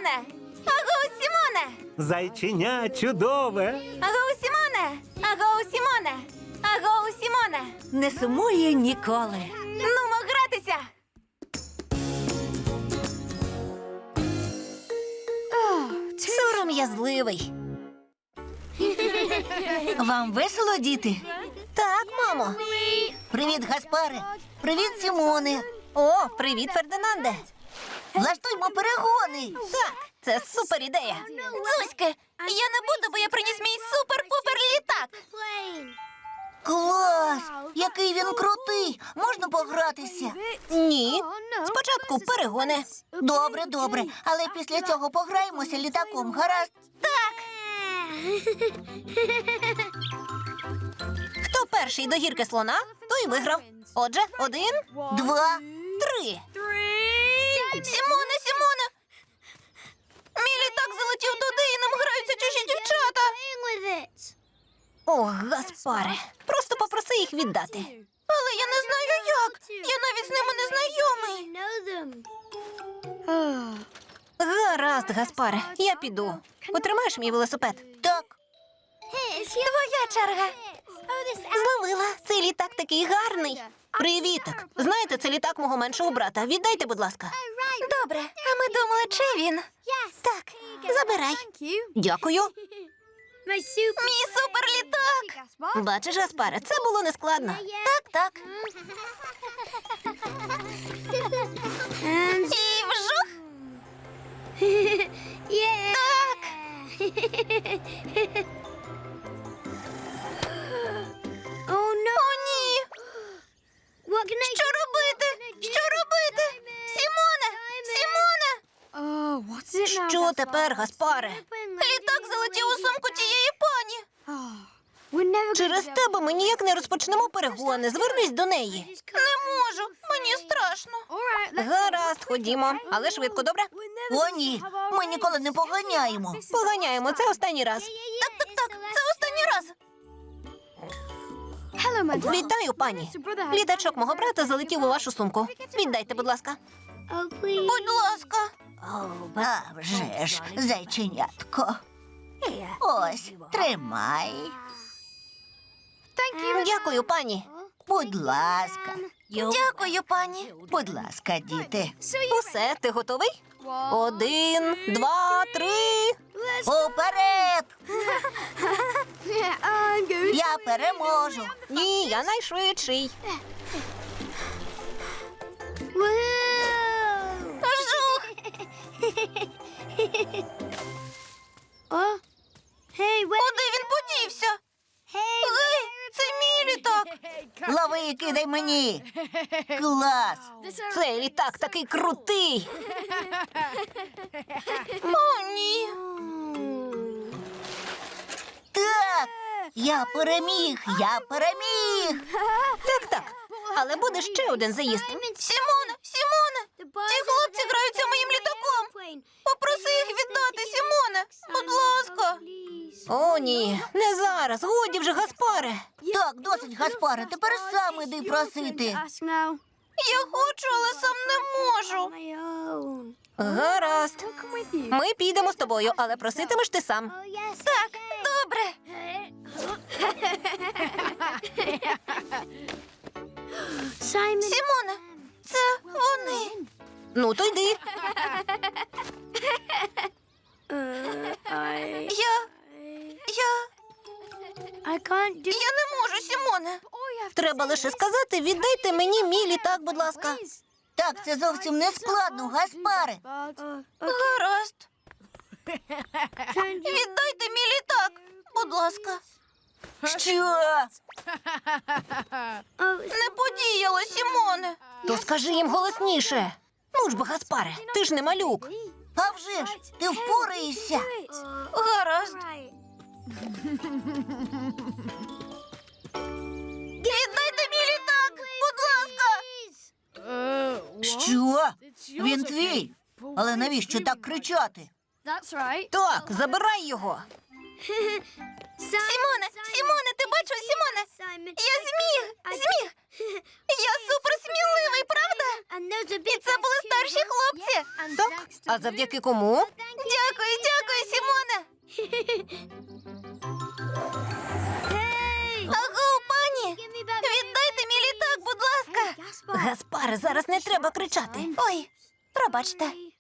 Сімоне! Агоу, Сімоне! Зайченя чудове. Агоу, Сімоне! Агоу, Сімоне! Агоу, Сімоне! Не сумує ніколи. Нумо гратися! Сором'язливий. Вам весело, діти? Так, мамо. Привіт, Гаспаре. Привіт, Сімоне. О, привіт, Фердинанде. Влаштуймо перегони. Так, це супер ідея. Дзузьки, я не буду, бо я приніс мій супер-пупер літак. Клас! Який він крутий! Можна погратися? Ні. Спочатку перегони. Добре, добре. Але після цього пограємося літаком, гаразд? Так. Хто перший до гірки слона, той виграв. Отже, 1, 2, 3. Сімоне, Сімоне! Мій літак залетів туди і ним граються чужі дівчата. Ох, Гаспаре, просто попроси їх віддати. Але я не знаю як. Я навіть з ними не знайомий. Гаразд, Гаспаре, я піду. Потримаєш мій велосипед? Так. Твоя черга. Зловила. Цей літак такий гарний. Привіток. Знаєте, це літак мого меншого брата. Віддайте, будь ласка. Добре, а ми думали, чи він? Так, забирай. Дякую. Мій суперлітак. Бачиш, Гаспаре, це було нескладно. Так. І вжух. Так. О, ні. Що робити? Що робити? Сімоне! Сімоне! Що тепер, Гаспаре? Літак залетів у сумку тієї пані. Через тебе ми ніяк не розпочнемо перегони. Звернись до неї. Не можу. Мені страшно. Гаразд, ходімо. Але швидко, добре? О, ні. Ми ніколи не поганяємо. Поганяємо. Це останній раз. Так. Це останній раз. Вітаю, пані. Літачок мого брата залетів у вашу сумку. Віддайте, будь ласка. Будь ласка. А вже ж, зайченятко. Ось, тримай. Дякую, пані. Будь ласка. Дякую, пані. Будь ласка, діти. Усе, ти готовий? 1, 2, 3. Уперед! Я переможу. Ні, я найшвидший. Жух. Куди він подівся? Гей, це мій літак. Лови і кидай мені. Клас! Цей літак такий крутий. О, ні. Так, я переміг. Так. Але буде ще один заїзд. Сімоне! Ці хлопці граються моїм літаком. Попроси їх віддати, Сімоне. Будь ласка. О, ні, не зараз. Годі вже, Гаспаре. Так, досить, Гаспаре. Тепер сам іди просити. Я хочу, але сам не можу. Гаразд. Ми підемо з тобою, але проситимеш ти сам. Так, добре. Сімоне, це вони. Ну, то йди. Я не можу, Сімоне. Треба лише сказати, віддайте мені мій літак, будь ласка. Так, це зовсім не складно, Гаспаре. Гаразд. Віддайте мій літак, будь ласка. Що? Не подіяло, Сімоне. То скажи їм голосніше. Ну ж бо, Гаспаре, ти ж не малюк. А вже ж, ти впораєшся. Гаразд. Віддайте мій літак, будь ласка. Що? Він твій? Але навіщо так кричати? Так, забирай його. Сімоне, ти бачив, Сімоне? Я зміг. Я суперсміливий, правда? І це були старші хлопці. завдяки? Так, а завдяки кому? Дякую, дякую, Сімоне. Аго, пані, віддайте мій літак, будь ласка. Гаспаре, зараз не треба кричати. Ой, пробачте.